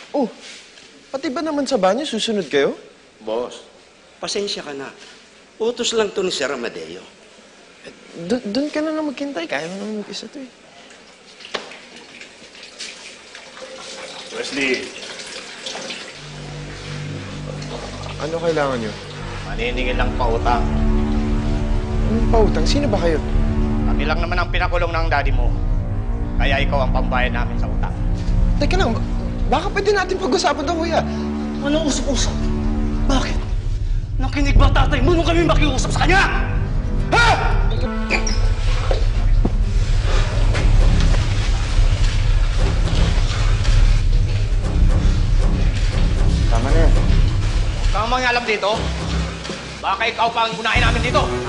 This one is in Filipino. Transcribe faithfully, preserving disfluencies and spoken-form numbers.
Oh, pati ba naman sa banyo susunod kayo? Boss, pasensya ka na. Utos lang to ni Sir Amadeo. Do- doon ka na lang maghintay. Kaya mo naman mag-isa to eh. Wesley, Ano kailangan nyo? maniningil lang pautang. Anong pautang? Sino ba kayo? Kami lang naman ang pinakulong ng daddy mo. Kaya ikaw ang pambayad namin sa utang. Teka lang, ba- baka pwede natin pag-usapan to, kuya. Anong usap-usap? Bakit? Nakinig ba tatay mo nung kami makiusap sa kanya? Ha? Tama na yan. Huwag kang mangalam dito. Baka ikaw pa ang unahin namin dito.